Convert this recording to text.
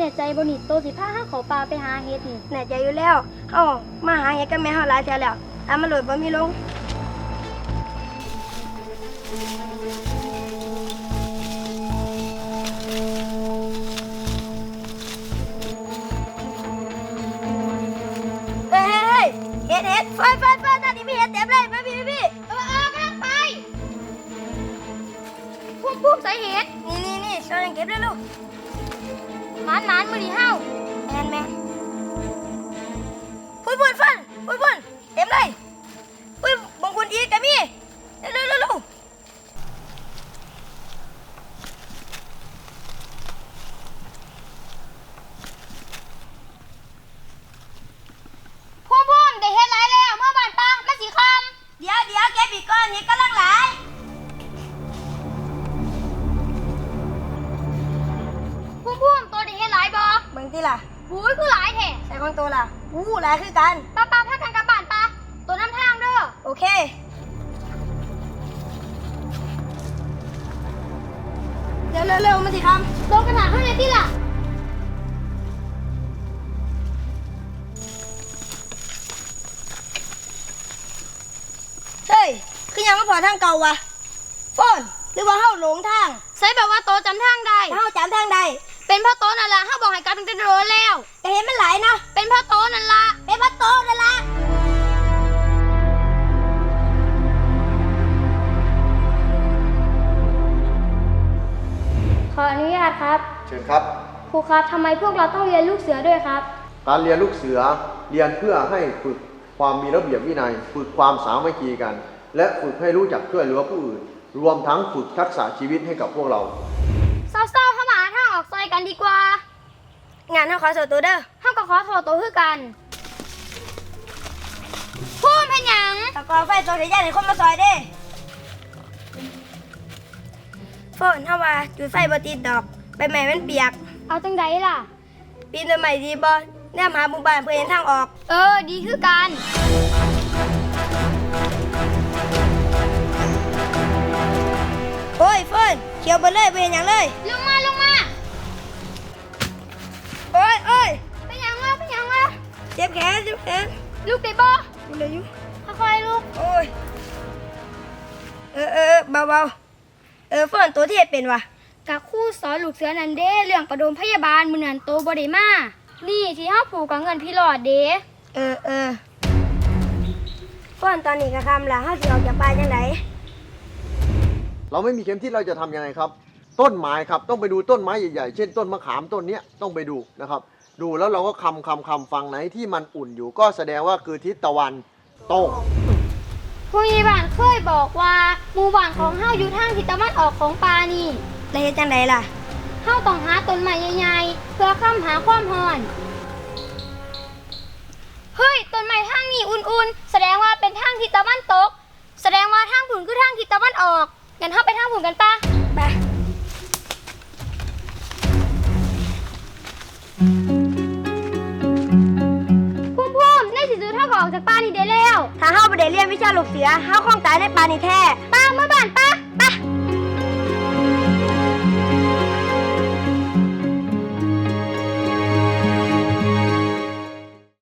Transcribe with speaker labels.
Speaker 1: แน่ใจบ่นี่โตสิพาเฮาเข้าป่าไปหาเฮ็ดนี่
Speaker 2: แน่ใจอยู่แล้วเฮามาหาเฮ็ดกับแม่เฮาหลายเทื่อแล้วตามมาโหลดบ่มีลงเฮ้ยเฮ็ดไฟตอนนี้มีเฮ็ดเต็มเลยมาพี่
Speaker 1: กำลังไปพุ่มใส่เฮ็ด
Speaker 2: นี่ช่วยกันเก็บเลยลูก
Speaker 1: หมานมื้อนี้เฮา
Speaker 2: แม่พุ่นเต็มเลยปุ้ยบางคนอีกก็มีเร็ว
Speaker 1: พุ่มได้เฮ็ดหลายแล้วเมื่อบ้านป้ามันสิค่ำ
Speaker 2: เดี๋ยวเก็บอีกก้อนนี้กำลังหลาย
Speaker 1: พุ่มตัวได้เฮ็ดหลายบ่
Speaker 2: เบิ่งติล่ะ
Speaker 1: หูยคือหลายแท้
Speaker 2: ใส่ของตัวล่ะหลายคือกัน
Speaker 1: ป้าพากันกลับบ้านป้าตัวน้ำทางเด้อ
Speaker 2: โอเคเร็วมาสิครับ
Speaker 1: โตกันหาข้างในที่ล่ะ
Speaker 2: เฮ้ยคือยังไม่พอทางเก่าวะโฟนหรือว่าเฮาหลงทาง
Speaker 1: ใส่แบบว่าโตจำทางได้
Speaker 2: เฮาจำทางใด
Speaker 1: เป็นพ่อโตนั่นล่ะเฮาบอกให้กลับตั้งแต่โดนแล้ว
Speaker 2: แต่เห็นมันหลายเนาะ
Speaker 1: เป็นพ่อโตนั่นล่ะ
Speaker 2: เป็นพ่อโตนั่นล่ะ
Speaker 1: ขออนุญาตครับ
Speaker 3: เชิญครับ
Speaker 1: ครูครับทำไมพวกเราต้องเรียนลูกเสือด้วยครับ
Speaker 3: การเรียนลูกเสือเรียนเพื่อให้ฝึกความมีระเบียบวินัยฝึกความสามัคคีกันและฝึกให้รู้จักช่วยเหลือผู้อื่นรวมทั้งฝึกทักษะชีวิตให้กับพวกเรา
Speaker 1: เศร้าๆเข้ามาหาทางออกซอยกันดีกว่างานเฮาขอโทษตัวเด้อเฮาก็ขอโทษตัวคือกันพูดเป็นหยัง
Speaker 2: ตะกอนไฟโซเดียนให้คนมาซอยเด้โฟนเฮาว่าจุดไฟบ่ติดดอกใบไม้มันเปียก
Speaker 1: เอาจังไดล่ะ
Speaker 2: ปีนต้นไม้ดีบ่แนมหาหมู่บ้านเพื่อเห็นทางออก
Speaker 1: ดีคือกัน
Speaker 2: โอ้ยเฟิร์นเขียวไปเลยไปเห็นอย่างเลย
Speaker 1: ลงมา
Speaker 2: โอ้ย
Speaker 1: เป็นหยังวะ
Speaker 2: เจ็บแขน
Speaker 1: ลูกได้บ่
Speaker 2: เหลืออยู่
Speaker 1: ค่อยๆลูก
Speaker 2: โอ้ยเบาเฟิร์นตัวที่เป็นวะ
Speaker 1: กับครูสอนลูกเสือนันเด้เรื่องประดมพยาบาลมื้อนั้นโตบ่ได้มานี่ที่เฮาผูกกับเงินพี่หลอดเด้
Speaker 2: เฟิร์นตอนนี้ก็ทำละเฮาสิออกจากป่าจังได
Speaker 3: เราไม่มีเข็มทิศเราจะทำยังไงครับต้นไม้ครับต้องไปดูต้นไม้ใหญ่ๆเช่นต้นมะขามต้นนี้ต้องไปดูนะครับดูแล้วเราก็คำฝั่งไหนที่มันอุ่นอยู่ก็แสดงว่าคือทิศตะวันตก
Speaker 1: ผู้ใหญ่บ้านเคยบอกว่าหมู่บ้านของเฮาอยู่ทางทิศตะวันออกของป่านี่
Speaker 2: แล้วเฮ็ดจังไดล่ะ
Speaker 1: เฮาต้องหาต้นไม้ใหญ่ๆเพื่อค้ำหาความร้อนเฮ้ยต้นไม้ทางนี้อุ่นๆแสดงว่าเป็นทางทิศตะวันตกแสดงว่าทางผุนคือทางทิศตะวันออกงั้นเฮาไปทางผุนกันป่ะ
Speaker 2: ไป
Speaker 1: พุ่มในที่สุดเฮาก็ออกจากป่านี่ได้แล้ว
Speaker 2: ถ้าเฮาบ่ได้เรียนวิชาลูกเสือเฮาคงตายในป่านี่แท้
Speaker 1: ป่าเมื่อบ้านป่า